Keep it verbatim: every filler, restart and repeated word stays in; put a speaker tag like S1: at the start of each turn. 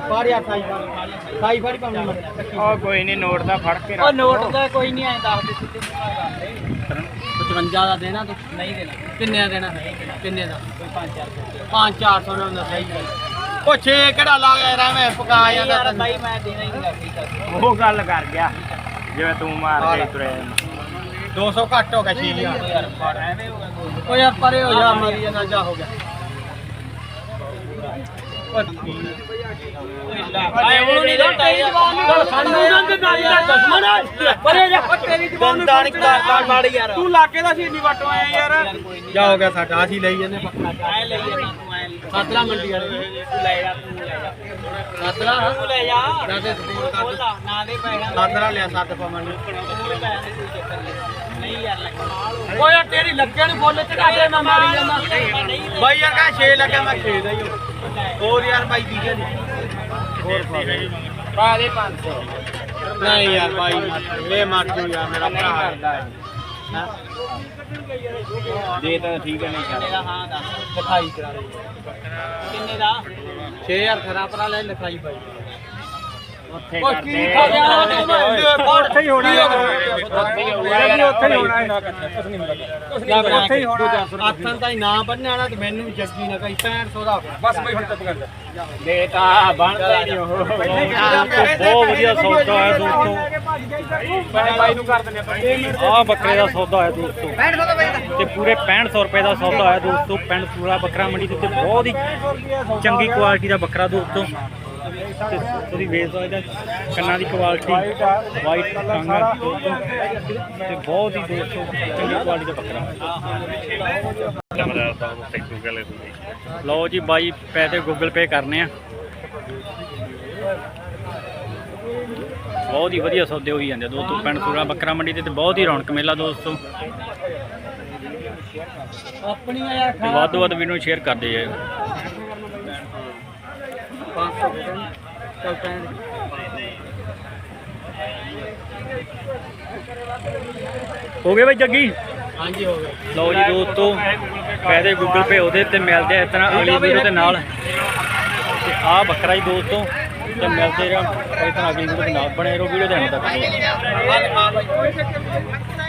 S1: ਫੜ ਯਾਰ ਸਾਈ ਸਾਈ ਫੜ ਪਾਉਣੀ
S2: ਉਹ ਕੋਈ ਨਹੀਂ ਨੋਟ ਦਾ ਫੜ ਕੇ
S1: ਉਹ ਨੋਟ ਦਾ ਕੋਈ ਨਹੀਂ ਆਏ ਦੱਸ ਦੇ ਸਿੱਧੇ ਪਚਵੰਜਾ ਦਾ ਦੇਣਾ ਤੂੰ ਨਹੀਂ ਦੇਣਾ ਕਿੰਨੇ ਦਾ ਦੇਣਾ ਕਿੰਨੇ ਦਾ ਕੋਈ ਪੰਜ ਚਾਰ ਸੌ ਪੰਜ ਚਾਰ ਸੌ ਨਾਲ ਸਹੀ ਗੱਲ ਉਹ ਛੇ ਕਿਹੜਾ ਲਾ ਗਿਆ ਰਵੇਂ ਪਕਾ ਜਾਂਦਾ ਬਾਈ ਮੈਂ ਦੇਣਾ ਹੀ ਨਹੀਂ
S2: ਉਹ ਗੱਲ ਕਰ ਗਿਆ ਜਿਵੇਂ ਤੂੰ ਮਾਰ ਕੇ ਤੁਰੇ
S1: ਦੋ ਸੌ ਘੱਟ ਹੋ ਗਿਆ ਛੇ ਹਜ਼ਾਰ ਐਵੇਂ ਹੋ ਗਿਆ ਓ ਯਾਰ ਪਰੇ ਹੋ ਜਾ ਮਾਰੀ ਜਾਂਦਾ ਜਾ ਹੋ ਗਿਆ ਆਏ ਉਹ ਨਹੀਂ ਰੋਟਾ ਯਾਰ ਸਾਨੂੰ ਨੰਦ ਨਾਲੀ ਦਾ ਦੁਸ਼ਮਣ ਪਰੇ ਜਾ ਤੇਰੀ ਜ਼ਬਾਨ ਨੂੰ ਕਾਲ ਮਾੜੀ ਯਾਰ ਤੂੰ ਲਾਕੇ ਦਾ ਸੀ ਇੰਨੀ ਵਟੋ ਆਇਆ ਯਾਰ ਜਾ ਹੋ ਗਿਆ ਸਾਡਾ ਅਸੀਂ ਲਈ ਜਾਂਦੇ ਪੱਕਾ ਐ ਲਈ ਜਾਂਦਾ ਤੂੰ ਐ ਸਾਤਰਾ ਮੰਡੀ ਵਾਲੇ ਤੂੰ ਲੈ ਜਾ ਤੂੰ ਲੈ ਜਾ ਸਾਤਰਾ ਤੂੰ ਲੈ ਜਾ ਨਾ ਦੇ ਨਾ ਦੇ ਪੈਸਾ ਸਾਤਰਾ ਲਿਆ ਸੱਤ ਪਵਨ ਨਹੀਂ ਯਾਰ ਲੱਗਾ ਓ ਯਾਰ ਤੇਰੀ ਲੱਗੇ ਨੂੰ ਫੁੱਲ ਚੜਾ ਦੇ ਮੈਂ ਮਾਰੀ ਜਾਂਦਾ ਬਾਈ ਯਾਰ ਕਾ ਛੇ ਲੱਗਾ ਮੈਂ ਛੇ ਦਾ ਹੀ ਹੋਰ ਯਾਰ ਬਾਈ ਦੀ ਕੇ ਹੋਰ ਪਾ ਦੇ ਪੰਜ ਸੌ ਨਹੀਂ ਯਾਰ ਬਾਈ ਇਹ ਮਾਰ ਤੂੰ ਯਾਰ ਮੇਰਾ ਭਰਾ ਕਰਦਾ ਹੈ ਦੇ ਤਾਂ ਠੀਕ ਹੈ ਨਹੀਂ ਕਰਦਾ ਹਾਂ ਦੱਸ ਲਿਖਾਈ ਕਰਾ ਦੇ ਕਿੰਨੇ ਦਾ ਛੇ ਹਜ਼ਾਰ ਖਰਾ ਪਰਾ ਲੈ ਲਿਖਾਈ ਬਾਈ ਉੱਥੇ ਕਰਦੇ ਉੱਥੇ ਹੀ ਹੋਣਾ ਉੱਥੇ ਹੀ ਹੋਣਾ ਉੱਥੇ ਹੀ ਹੋਣਾ ਨਾ ਕੁਛ ਨਹੀਂ ਹੁੰਦਾ ਉੱਥੇ ਹੀ ਹੋਣਾ ਆਥਾਂ ਤਾਂ ਨਾ ਬੰਨਣਾ ਨਾ ਤੇ ਮੈਨੂੰ ਵੀ ਜੱਗੀ ਨਾ ਕਹੀ ਪੈਂਹਠ ਸੌ ਦਾ ਬਸ ਬਈ ਹੁਣ ਚੁੱਪ ਕਰ ਜਾ ਦੇ ਤਾਂ ਬਣਦਾ ਨਹੀਂ ਉਹ ਬਹੁਤ ਵਧੀਆ ਸੌਦਾ ਹੈ ਦੋਸਤੋ ਬਾਈ ਨੂੰ ਕਰ ਦਿੰਦੇ ਆ ਬੱਕਰੇ ਦਾ ਸੌਦਾ ਹੈ ਦੋਸਤੋ ਪੈਂਹਠ ਸੌ ਦਾ ਬਾਈ ਤੇ ਪੂਰੇ ਪੈਂਹਠ ਸੌ ਰੁਪਏ ਦਾ ਸੌਦਾ ਹੈ ਦੋਸਤੋ ਪਿੰਡ ਸੂਰਾ ਬੱਕਰਾ ਮੰਡੀ ਦੇ ਉੱਤੇ ਬਹੁਤ ਹੀ ਚੰਗੀ ਕੁਆਲਿਟੀ ਦਾ ਬੱਕਰਾ ਦੋਸਤੋ ਉਹਦੀ ਵੇਸ ਦਾ ਕੰਨਾਂ ਦੀ ਕੁਆਲਿਟੀ ਵਾਈਟ ਕੰਗਾ ਤੇ ਬਹੁਤ ਹੀ ਦੋਸਤੋ ਚੰਗੀ ਕੁਆਲਿਟੀ ਦਾ ਬੱਕਰਾ ਲਓ ਜੀ ਬਾਈ ਪੈਸੇ ਗੂਗਲ ਪੇ ਕਰਨੇ ਆ ਬਹੁਤ ਹੀ ਵਧੀਆ ਸੌਦੇ ਹੋਈ ਜਾਂਦੇ ਦੋਸਤੋ ਪਿੰਡ ਸੂਰਾ ਬੱਕਰਾ ਮੰਡੀ ਤੇ ਬਹੁਤ ਹੀ ਰੌਣਕ ਮੇਲਾ ਦੋਸਤੋ ਆਪਣੀਆਂ ਯਾਰ ਵੱਧ ਤੋਂ ਵੱਧ ਵੀਡੀਓ ਨੂੰ ਸ਼ੇਅਰ ਕਰਦੇ ਜਾਇਓ ਹੋ ਗਏ ਬਾਈ ਜੱਗੀ ਹਾਂਜੀ ਹੋ ਗਏ ਲਓ ਜੀ ਦੋਸਤੋ ਪੈਸੇ ਗੂਗਲ ਪੇ ਉਹਦੇ ਤੇ ਮਿਲਦੇ ਇਸ ਤਰ੍ਹਾਂ ਅਗਲੀ ਵੀਡੀਓ ਦੇ ਨਾਲ ਤੇ ਆਹ ਬੱਕਰਾ ਜੀ ਦੋਸਤੋ ਤੇ ਮਿਲਦੇ ਰਹੋ ਇਸ ਤਰ੍ਹਾਂ ਅਗਲੀ ਵੀਡੀਓ ਦੇ ਨਾਲ ਬਣੇ ਰਹੋ ਵੀਡੀਓ ਦੇ ਅੰਤ ਤੱਕ